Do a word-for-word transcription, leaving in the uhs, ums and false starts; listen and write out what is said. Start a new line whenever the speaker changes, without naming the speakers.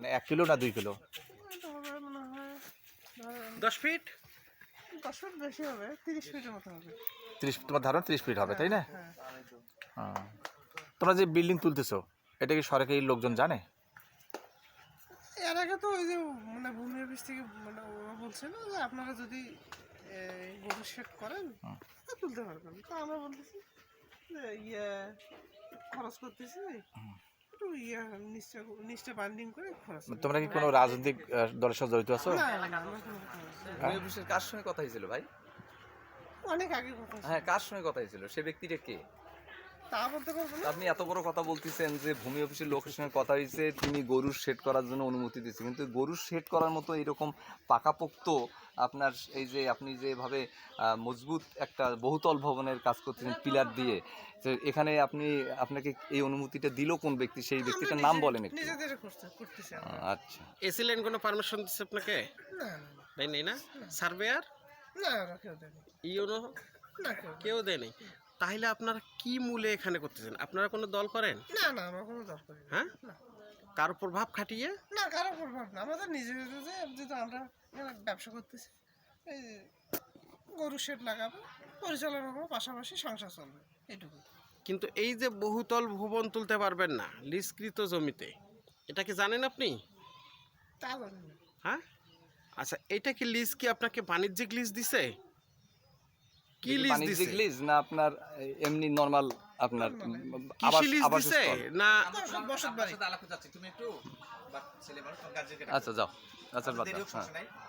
মানে এক কিলো না দুই কিলো?
এটা হবে মনে হয় ধরেন
দশ ফিট
দশ ফুট বেশি হবে, তিরিশ ফিটের মতো হবে।
ত্রিশ, তোমার ধারণা ত্রিশ ফিট হবে, তাই না?
হ্যাঁ,
হ্যাঁ। তোমরা যে বিল্ডিং তুলতেছো, এটা কি সরকারি লোকজন জানে?
এর আগে তো ওই যে মানে ভূমি অফিস থেকে মানে ওরা বলছিল যে আপনারা যদি গরু শেড করেন তা তুলতে পারবেন। তো আমরা বলতেছি যে ইয়ে খরচ করতেছি, একটু ইয়ে নিশ্চয় নিশ্চয় বান্ডিং করে খরচ করতে
তোমরা কি কোনো রাজনৈতিক আহ, দলের সাথে জড়িত আছো?
হবে। না না, আমরা কোনো কথা বলছি না।
ভূমি অফিসের কার সঙ্গে কথা হয়েছিল ভাই?
অনেক আগে কথা ছিল।
হ্যাঁ, কার সঙ্গে কথা হয়েছিল? সে ব্যক্তিটা কে?
তা বলতে পারবো না।
আপনি এত বড় কথা বলতেছেন যে ভূমি অফিসের লোকের সঙ্গে কথা হয়েছে, তিনি গরুর শেড করার জন্য অনুমতি দিচ্ছে, কিন্তু গরুর শেড করার মতো এরকম পাকাপোক্ত আপনার এই যে আপনি যেভাবে আহ, মজবুত একটা বহুতল ভবনের কাজ করতেছেন পিলার দিয়ে, তো এখানে আপনি আপনাকে এই অনুমতিটা দিল কোন ব্যক্তি? সেই ব্যক্তিটার নাম বলেন একটু।
নিজেদের করতে করতেছি আমরা।
আহ, আচ্ছা,
এসি লাইন কোনো পারমিশন দিচ্ছে আপনাকে?
না না
দেয় নেই না? সার্ভেয়ার
না না, কেউ দেয়নি।
ইউনো
না কেউ দেয়নি।
কেউ দেয়নি। তাহলে আপনারা কি মূলে এখানে করতেছেন? আপনারা কোনো দল করেন?
না না, আমরা কোনো দরকার নেই।
হ্যাঁ,
না
কার উপর ভাব খাটিয়ে?
না, কারো প্রভাব না, আমাদের নিজেদের যে যেহেতু আমরা এখানে ব্যবসা করতেছি, এই যে গরু শেড লাগাবো, পরিচালনা করবো, পাশাপাশি সংসার চলবে, এইটুকু।
কিন্তু এই যে বহুতল ভবন তুলতে পারবেন না লিজকৃত জমিতে, এটা কি জানেন আপনি?
তা জানি না।
হ্যাঁ, আচ্ছা, এটা কি লিজ কি আপনাকে বাণিজ্যিক লিজ দিছে? কি
এটা কি
লিজ
বাণিজ্যিক
দিছে?
লিজ না আপনার এমনি নরমাল আপনার
কৃষি লিজ
আবাস
দিছে
স্থল?
না?
বসত- বসত বাড়ি।
আচ্ছা যাও, আচ্ছা বাদ দাও, হ্যাঁ।